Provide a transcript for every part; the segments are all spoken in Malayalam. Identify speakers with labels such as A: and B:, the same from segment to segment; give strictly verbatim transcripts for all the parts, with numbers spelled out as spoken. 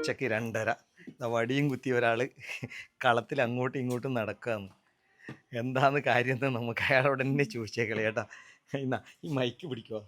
A: ഉച്ചക്ക് രണ്ടര വടിയും കുത്തി ഒരാൾ കളത്തിൽ അങ്ങോട്ടും ഇങ്ങോട്ടും നടക്കുകയെന്ന്. എന്താന്ന് കാര്യം എന്ന് നമുക്ക് അയാളോട് തന്നെ ചോദിച്ചേക്കളെ ചേട്ടാ. എന്നാ ഈ മൈക്ക് പിടിക്കുമോ?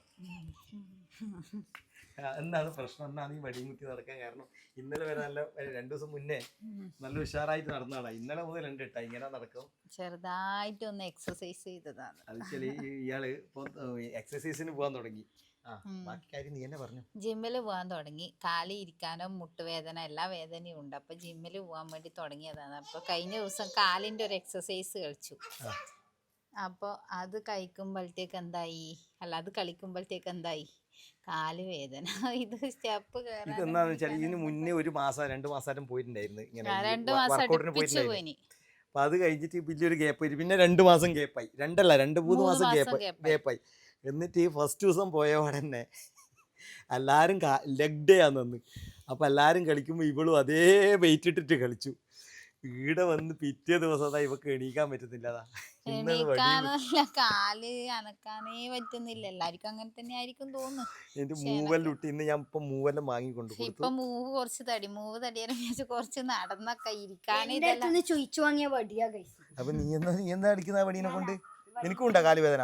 A: എന്താണ് പ്രശ്നം? എന്നാണ് ഈ വടിയും കുത്തി നടക്കാൻ കാരണം? ഇന്നലെ വരെ നല്ല രണ്ടു ദിവസം മുന്നേ നല്ല ഉഷാറായിട്ട് നടന്നതാണ്. ഇന്നലെ മുതൽ ഉണ്ട് കേട്ടാ ഇങ്ങനെ നടക്കും.
B: ചെറുതായിട്ട് ഒന്ന് എക്സസൈസ് ചെയ്തതാണ്.
A: അത് ശരി. ഇയാള് ഇപ്പൊ എക്സസൈസിന് പോകാൻ തുടങ്ങി. ബാക്കി കാര്യം നീ തന്നെ പറഞ്ഞു.
B: ജിമ്മില് പോകാൻ തുടങ്ങി. കാലി ഇരിക്കാനോ മുട്ടുവേദന എല്ലാ വേദനയും ഉണ്ട്. അപ്പൊ ജിമ്മില് പോകാൻ വേണ്ടി തുടങ്ങിയതാണ്. അപ്പൊ കഴിഞ്ഞ ദിവസം കാലിന്റെ ഒരു എക്സസൈസ് കളിച്ചു. അപ്പൊ അത് കഴിക്കുമ്പോഴത്തേക്ക് എന്തായി, അല്ല അത് കളിക്കുമ്പോഴത്തേക്ക് എന്തായി, കാല് വേദന. ഇത് സ്റ്റെപ്പ്
A: ഇതെന്താന്ന് വെച്ചാൽ ഇതിന് മുന്നേ ഒരു മാസം രണ്ടു മാസം പോയിട്ടുണ്ടായിരുന്നു ഇങ്ങനെ
B: രണ്ടു മാസം പോയിന്.
A: അപ്പൊ അത് കഴിഞ്ഞിട്ട് വലിയൊരു ഗ്യാപ്പ് ആയി. പിന്നെ രണ്ടു മാസം ഗ്യാപ്പായി. രണ്ടല്ല രണ്ട് മൂന്ന് മാസം ഗ്യാപ്പ് ഗ്യാപ്പായി എന്നിട്ട് ഈ ഫസ്റ്റ് ദിവസം പോയപാടെ തന്നെ എല്ലാവരും ലെഗ് ഡേ ആണെന്ന്. അപ്പം എല്ലാവരും കളിക്കുമ്പോൾ ഇവളും അതേ വെയിറ്റ് ഇട്ടിട്ട് കളിച്ചു. ഈടെ വന്ന് പിറ്റേ ദിവസം ഇവക്ക് എണീക്കാൻ പറ്റുന്നില്ലതാ.
B: എണീക്കാനല്ല, കാല് അനക്കാനേ പറ്റുന്നില്ല. എല്ലാവർക്കും അങ്ങനെ തന്നെ ആയിരിക്കും തോന്നുന്നു.
A: എന്റെ മൂവെല്ലാം ഇട്ട് ഇന്ന് ഞാൻ ഇപ്പൊ മൂവെല്ലാം വാങ്ങിക്കൊണ്ട്
B: ഇപ്പൊ മൂവ് കുറച്ച് തടി മൂവ് തടിയാലും കുറച്ച് നടന്നൊക്കെ ഇരിക്കാനേ
C: ചോദിച്ചു വാങ്ങിയ വടിയാ.
A: അപ്പൊ നീ എന്താ നീ എന്താ അടിക്കുന്ന വടീനെ കൊണ്ട്? നിനക്കും ഉണ്ടാ കാല് വേദന?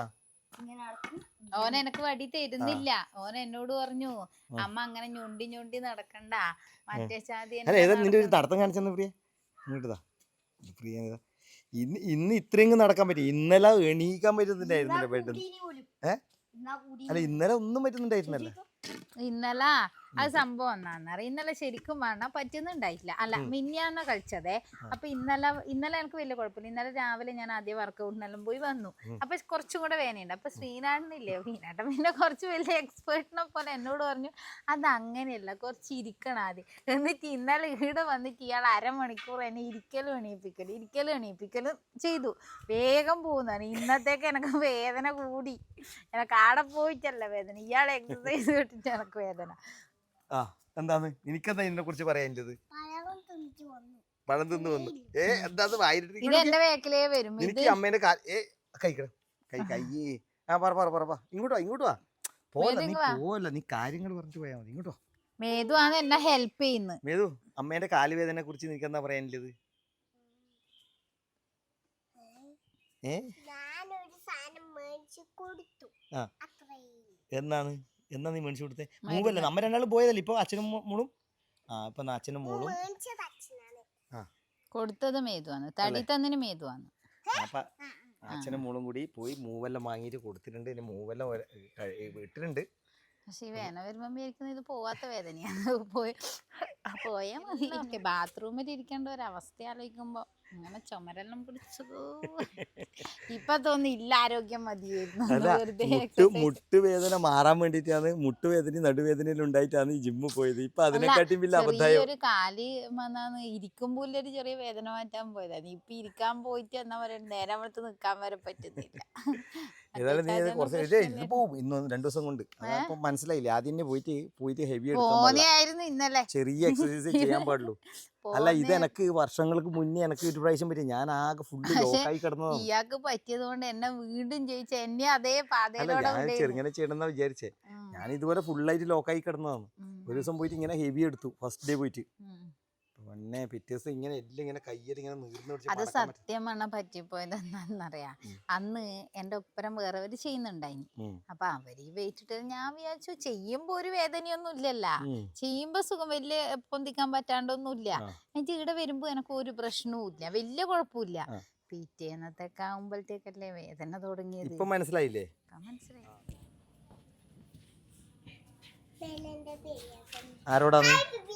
B: ഓൻ എനക്ക് വടി തരുന്നില്ല. ഓൻ എന്നോട് പറഞ്ഞു അമ്മ അങ്ങനെ ഞൊണ്ടി ഞൊണ്ടി നടക്കണ്ട, മറ്റേ ചാതി.
A: നിന്റെ ഒരു തടത്തം കാണിച്ചെന്ന് പ്രിയ ഇങ്ങോട്ടാ. പ്രിയ ഇന്ന് ഇന്ന് ഇത്രയും നടക്കാൻ പറ്റി. ഇന്നലെ എണീക്കാൻ പറ്റുന്നുണ്ടായിരുന്നില്ല ബെഡ്. ഏഹ് അല്ല ഇന്നലെ ഒന്നും പറ്റുന്നുണ്ടായിരുന്നല്ല.
B: ഇന്നലെ അത് സംഭവം എന്നാന്നറിയാം. ഇന്നലെ ശരിക്കും പറഞ്ഞാൽ പറ്റുന്നുണ്ടായിട്ടില്ല. അല്ല മിനിഞ്ഞാന്ന കളിച്ചതേ. അപ്പൊ ഇന്നലെ ഇന്നലെ എനിക്ക് വലിയ കുഴപ്പമില്ല. ഇന്നലെ രാവിലെ ഞാൻ ആദ്യം വർക്കൗട്ടിനെല്ലാം പോയി വന്നു. അപ്പൊ കുറച്ചും കൂടെ വേനയുണ്ട്. അപ്പൊ ശ്രീനാഥനില്ലേ, ശ്രീനാഥൻ പിന്നെ കുറച്ച് വലിയ എക്സ്പേർട്ടിനെ പോലെ എന്നോട് പറഞ്ഞു അത് അങ്ങനെയല്ല, കുറച്ച് ഇരിക്കണം ആദ്യം. എന്നിട്ട് ഇന്നലെ ഇവിടെ വന്നിട്ട് ഇയാൾ അരമണിക്കൂർ എന്നെ ഇരിക്കലും എണീപ്പിക്കലും ഇരിക്കലും എണീപ്പിക്കലും ചെയ്തു. വേഗം പോകുന്നതാണ്. ഇന്നത്തേക്ക് എനിക്ക് വേദന കൂടി. എനിക്ക് ആടെ പോയിട്ടല്ല വേദന, ഇയാൾ എക്സസൈസ് കേട്ടിട്ട് എനിക്ക് വേദന.
A: ആ എന്താണ് എനിക്കെന്താ ഇതിനെ കുറിച്ച് പറയാനുള്ളത്? പഴം തിന്നു വന്നു. ഏ എന്താ
B: ഇത് എന്റെ വേക്കിലേ വരും.
A: എനിക്ക് അമ്മേന്റെ ഏ കഴിക്കണം കൈ കയ്യേ. ആ പറ പറ പറ ഇങ്ങോട്ട് വാ ഇങ്ങോട്ട് വാ. പോലെ നീ പോവല്ല, നീ കാര്യങ്ങൾ പറഞ്ഞിട്ട് പോയാ മതി. ഇങ്ങോട്ടോ.
B: മേതു ആണ് എന്നെ ഹെൽപ്പ് ചെയ്യുന്നത്.
A: മേതു അമ്മേന്റെ കാലുവേദനെ കുറിച്ച് നിനക്ക് എന്താ പറയാനുള്ളത്? ഏ എന്നാണ് എന്നാ നീ മേടിച്ചു കൊടുത്തേ? മൂവല്ലേ നമ്മ രണ്ടാളും പോയതല്ലേ ഇപ്പൊ അച്ഛനും മോളും. ആ ഇപ്പൊ അച്ഛനും മോളും
B: കൊടുത്തത് മേതുവാണ്. തടി തന്നിന് മേതുവാണ്.
A: അപ്പൊ അച്ഛനും മോളും കൂടി പോയി മൂവെല്ലാം വാങ്ങിയിട്ട് കൊടുത്തിട്ടുണ്ട്. ഇനി മൂവെല്ലാം ഇട്ടിട്ടുണ്ട്.
B: പക്ഷെ ഈ വേദന വരുമ്പോ വിചാരിക്കുന്നത് ഇത് പോവാത്ത വേദനയാണ്. പോയി പോയാ മതി. ബാത്റൂമിൽ ഇരിക്കേണ്ട ഒരു അവസ്ഥ ആലോചിക്കുമ്പോ അങ്ങനെ ചുമരെല്ലാം പിടിച്ചതോ. ഇപ്പൊ തോന്നി ഇല്ല ആരോഗ്യം മതിയായിരുന്നു.
A: മുട്ടുവേദന മാറാൻ വേണ്ടിട്ടാണ്, മുട്ടുവേദന നടുവേദനയിലും ഉണ്ടായിട്ടാണ് ഈ ജിമ്മ് പോയത്. ഇപ്പൊ അതിനെക്കാട്ടും വലിയ അബദ്ധം.
B: ഒരു കാല് വന്നാന്ന് ഇരിക്കുമ്പോൾ ഒരു ചെറിയ വേദന മാറ്റാൻ പോയതാണ്. ഇപ്പൊ ഇരിക്കാൻ പോയിട്ട് എന്നാ പറയാ നേരം അടുത്ത് നിക്കാൻ വരെ പറ്റുന്നില്ല.
A: ഏതായാലും നീ കുറച്ച് ഇത് പോവും ഇന്ന് രണ്ടു ദിവസം കൊണ്ട്. അപ്പൊ മനസ്സിലായില്ലേ? ആദ്യം പോയിട്ട് പോയിട്ട് ഹെവി
B: എടുക്കും. ഇന്നലെ
A: ചെറിയ എക്സസൈസ് ചെയ്യാൻ പാടുള്ളൂ. അല്ല ഇത് എനക്ക് വർഷങ്ങൾക്ക് മുന്നേ എനിക്ക് ഒരു പ്രാവശ്യം പറ്റി. ഞാൻ ആകെ ഫുഡ് ലോക്കായി കിടന്നതാണ്.
B: ഇയാൾക്ക് പറ്റിയത് കൊണ്ട് എന്നെ വീണ്ടും ജയിച്ച എന്നെ അതേ പാതയിലൂടെ
A: ചെറുങ്ങനെ ചെയ്യണമെന്നാ വിചാരിച്ചേ. ഞാൻ ഇതുപോലെ ഫുള്ളായിട്ട് ലോക്കായി കിടന്നതാണ്. ഒരു ദിവസം പോയിട്ട് ഇങ്ങനെ ഹെവി എടുത്തു. ഫസ്റ്റ് ഡേ പോയിട്ട് പിന്നെ പിറ്റേ ദിവസം ഇങ്ങനെ എല്ലാം ഇങ്ങനെ കയ്യിൽ ഇങ്ങനെ നീർന്ന് പിടിച്ച്.
B: അത് സത്യം പറഞ്ഞാൽ പറ്റിപ്പോയത് എന്താണെന്നറിയാ, അന്ന് എന്റെ ഒപ്പരം വേറെവര് ചെയ്യുന്നുണ്ടായിനി. അപ്പൊ അവര് വെയിറ്റിട്ട് ഞാൻ വിചാരിച്ചു ചെയ്യുമ്പോ ഒരു വേദനയൊന്നും ഇല്ലല്ല, ചെയ്യുമ്പോ സുഖം വലിയ പൊന്തിക്കാൻ പറ്റാണ്ടൊന്നുമില്ല. എനിക്ക് ഇവിടെ വരുമ്പോ എനിക്ക് ഒരു പ്രശ്നവും ഇല്ല, വലിയ കുഴപ്പമില്ല. പിറ്റേന്നത്തേക്ക് ആകുമ്പോഴത്തേക്കല്ലേ വേദന തുടങ്ങിയത്.
A: ഇപ്പൊ മനസ്സിലായില്ലേ?
B: മനസ്സിലായി.
A: ആരോടാണ്?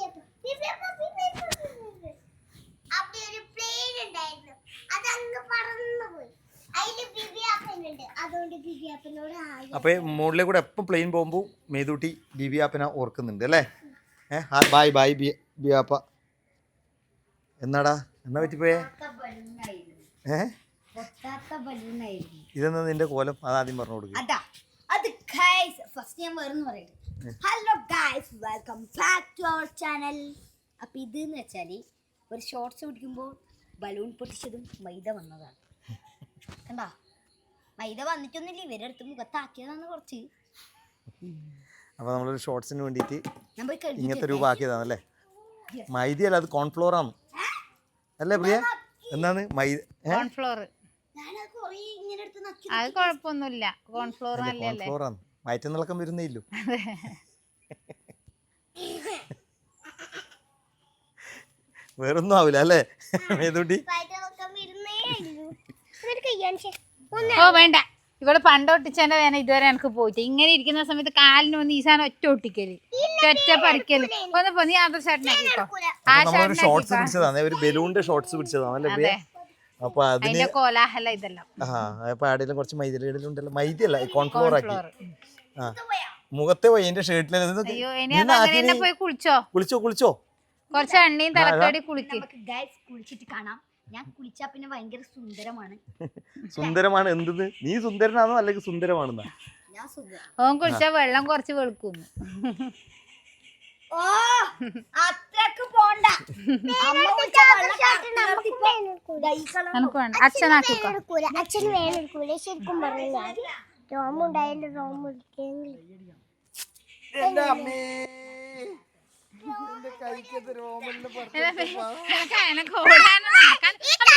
A: അപ്പൊ മുകളിലെ കൂടെ എപ്പം പ്ലെയിൻ പോകുമ്പോ മേതൂട്ടി ബിബിയാപ്പനെ ഓർക്കുന്നുണ്ട് അല്ലേ? ഏഹ് ബായ് ബായ് ബിയാപ്പ. എന്നാടാ എന്നാ പറ്റിപ്പോയേ? ഏഹ് ഇതെന്നാ നിന്റെ കോലം? അതാദ്യം പറഞ്ഞു കൊടുക്കും.
C: Hello guys, welcome back to our channel. അപ്പൊ ഇതെന്ന് വെച്ചാല് ഒരു ഷോർട്സ് പിടിക്കുമ്പോൾ ബലൂൺ പൊട്ടിച്ചതും മൈദ വന്നതാണ്. കണ്ടാ, മൈദ വന്നിട്ടൊന്നുമില്ല, ഇവരുടെ അടുത്ത് മുഖത്താക്കിയതാണ് കുറച്ച്.
A: അപ്പൊ നമ്മളൊരു ഷോർട്സിന് വേണ്ടിയിട്ട് ഇങ്ങനത്തെ രൂപ ആക്കിയതാണല്ലേ? മൈദയല്ല അത് കോൺഫ്ലോർ ആണ് അല്ലേ പ്രിയ എന്താണ് മൈദ
B: കോൺഫ്ലോർ
C: ഞാനത് കുറേ ഇങ്ങനെ എടുത്ത് നക്കി
B: അത് കുഴപ്പമൊന്നുമില്ല കോൺഫ്ലോർ നല്ലല്ലേ
A: കോൺഫ്ലോർ ആണ് വയറ്റിന്നിളക്കം വരുന്നേ ഇല്ലു വേറൊന്നും ആവില്ല അല്ലേ മേതുട്ടി
B: ഓ വേണ്ട ഇവിടെ പണ്ട് ഒട്ടിച്ചതിന്റെ വേന ഇതുവരെ എനിക്ക് പോയിട്ട് ഇങ്ങനെ ഇരിക്കുന്ന സമയത്ത് കാലിന് വന്ന് ഈ സാധനം ഒറ്റ ഒട്ടിക്കല് ഒറ്റ പറിക്കല് ഒന്ന് പോ നീ ആദർ ഷർട്ടിനാക്കിക്കോ ആ
A: നമ്മളൊരു ഷോർട്സ്
B: ഷർട്ടിനാക്കിക്കോ
A: പിടിച്ചതാണ് ഒരു ബലൂണിന്റെ ഷോർട്സ് പിടിച്ചതാണ് അല്ലേ പ്രിയ അപ്പൊ അതിന്
B: അതിന്റെ കോലാഹല ഇതെല്ലാം
A: ആ അപ്പൊ ആടെല്ലാം കുറച്ച് മൈദയിലുണ്ടല്ലോ മൈദയല്ല കോൺഫ്ലോർ ആക്കി
B: കോൺഫ്ലോർ
A: ആ മുഖത്തെ പോയി എന്റെ ഷർട്ടിൽ
B: അയ്യോ ഇനി അത് അങ്ങനെ തന്നെ പോയി കുളിച്ചോ
A: കുളിച്ചോ കുളിച്ചോ
B: കുറച്ച് എണ്ണയും തലക്കടി കുളിക്ക്
C: നമുക്ക് ഗൈസ് കുളിച്ചിട്ട് കാണാം ഞാൻ കുളിച്ചാ പിന്നെ ഭയങ്കര സുന്ദരമാണ്
A: സുന്ദരമാണ് എന്തെന്ന് നീ സുന്ദരനാണോ അല്ലെങ്കിൽ സുന്ദരമാണെന്നാ
C: ഞാൻ സുന്ദരം
B: ഓൻ കുളിച്ചാ വെള്ളം കുറച്ച് വെളുക്കുന്നു
C: ഓ അത്രക്ക് പോണ്ട അമ്മ കുളിച്ചാ
B: നമുക്ക് വേണ്ട അച്ഛനാക്കിക്കോ
D: അച്ഛന് വേണം ശരിക്കും പറഞ്ഞാൽ രോമുണ്ടായാലും രോമ
A: എന്റെ അമ്മേ എന്റെ കൈക്കത് രോമലിന്
B: എനക്ക് എനക്ക് ഓടാനും നടക്കാൻ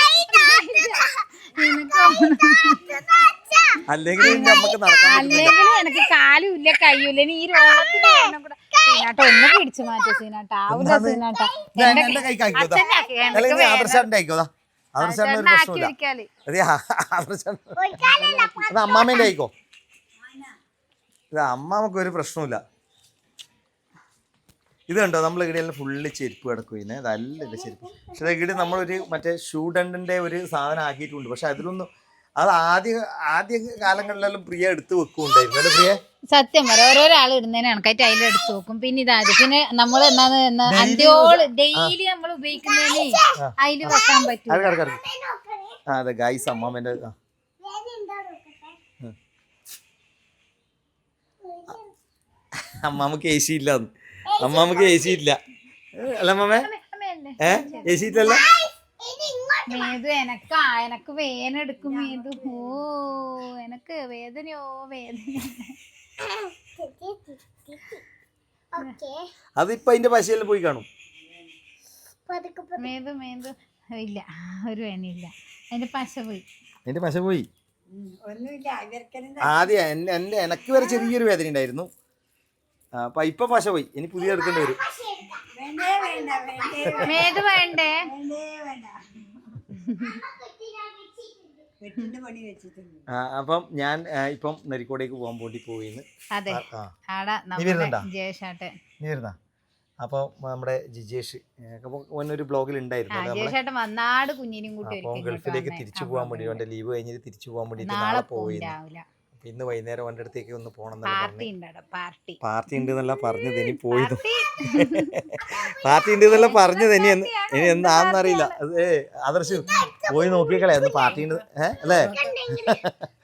A: അല്ലെങ്കിൽ നമുക്ക് നടക്കാൻ
B: അല്ലെങ്കിൽ എനിക്ക് കാലും ഇല്ല കയ്യൂല്ല ഇനി ഈ രോഗത്തിന് കാരണം കൂടെ സീനാട്ട ഒന്ന് പിടിച്ചു മാറ്റ സീനാട്ട ആവില്ല സീനാട്ട
A: എന്റെ കൈക്ക് ആക്കിക്കോ
B: അച്ഛനാക്കി
A: അല്ലെങ്കിൽ നീ ആദർശാന്റെ ആയിക്കോതാ ആദർശാന്റെ ഒരു
B: ആക്കി
A: പ്രശ്നമില്ല
B: വെക്കാല്
A: അതെ ആദർശാൻ അത് അമ്മാമേന്റെ ആയിക്കോ ഇത് അമ്മാമക്ക് ഒരു പ്രശ്നമില്ല ഇത് കണ്ടോ നമ്മൾ ഇവിടെയെല്ലാം ഫുള്ള് ചെരുപ്പ് കിടക്കുന്നെ അതല്ല ചെരുപ്പ് പക്ഷെ ഇവിടെ നമ്മളൊരു മറ്റേ ഷൂ ഡണ്ടിന്റെ ഒരു സാധനം ആക്കിയിട്ടുണ്ട് പക്ഷെ അതിലൊന്നും അത് ആദ്യ ആദ്യ കാലങ്ങളിലെല്ലാം പ്രിയ എടുത്ത് വെക്കുന്നുണ്ടായിരുന്നു അല്ലേ പ്രിയ
B: സത്യം പറ ഓരോരാൾ ഇടുന്നതിന് കണക്കായിട്ട് അതിൽ എടുത്ത് നോക്കും പിന്നെ ഇതായത് പിന്നെ നമ്മൾ എന്നാന്ന് അന്ത്യോള് ഡെയിലി നമ്മൾ ഉപയോഗിക്കുന്നതിന് അതിൽ വെക്കാൻ പറ്റും
A: അത് കിടക്കും ആ അതെ ഗൈസ് അമ്മാമേന്റെ ആ അമ്മാമ്മക്ക് എ സി ഇല്ല അമ്മാമ്മക്ക് എ സി ഇല്ല അല്ല അമ്മാമേ ഏ എ സി ഇല്ലല്ലോ
B: മേതു എനക്കാ എനക്ക് വേദന എടുക്കും മേതു ഓ എനക്ക് വേദനയോ വേദന
A: അതിപ്പോ അതിന്റെ പശയെല്ലാം പോയി കാണും
B: മേതു മേതു ഇല്ല ഒരു വേനയില്ല അതിന്റെ പശ പോയി
A: അതിന്റെ പശ പോയി ആദ്യം എന്റെ എന്റെ എനക്ക് വരെ ചെറിയൊരു വേദന ഉണ്ടായിരുന്നു അപ്പൊ ഇപ്പൊ പശ പോയി ഇനി പുതിയ എടുക്കേണ്ടി വരും
B: മേതു വേണ്ടേ
A: അപ്പം ഞാൻ ഇപ്പം നരിക്കോടേക്ക് പോകാൻ വേണ്ടി പോയിന്ന്
B: അതെ ആടാ
A: നീ വരുന്നുണ്ടാ
B: ജയേഷാട്ടെ
A: നീ വരുന്നാ അപ്പൊ നമ്മുടെ ജിജേഷ് ഒരു ബ്ലോഗിൽ ഉണ്ടായിരുന്നു
B: ജയേഷാട്ടൻ വന്നാട് കുഞ്ഞിനും കൂട്ടി
A: അപ്പൊ ഗൾഫിലേക്ക് തിരിച്ചു പോകാൻ വേണ്ടി അവന്റെ ലീവ് കഴിഞ്ഞിട്ട് തിരിച്ചു പോകാൻ വേണ്ടി നാളെ
B: നാളെ
A: പോയി
B: രാവിലെ
A: ഇന്ന് വൈകുന്നേരം അവന്റെ അടുത്തേക്ക് ഒന്ന് പോകണം
B: പാർട്ടി ഉണ്ടോ പാർട്ടി
A: പാർട്ടി ഉണ്ട് എന്നല്ല പറഞ്ഞത് ഇനി പോയത് പാർട്ടി ഉണ്ട് എന്നല്ല പറഞ്ഞത് ഇനി എന്ന് ഇനി എന്താണെന്നറിയില്ല അത് ആദർശ് പോയി നോക്കിയേക്കളെ അന്ന് പാർട്ടി ഉണ്ട് ഏഹ് അല്ലേ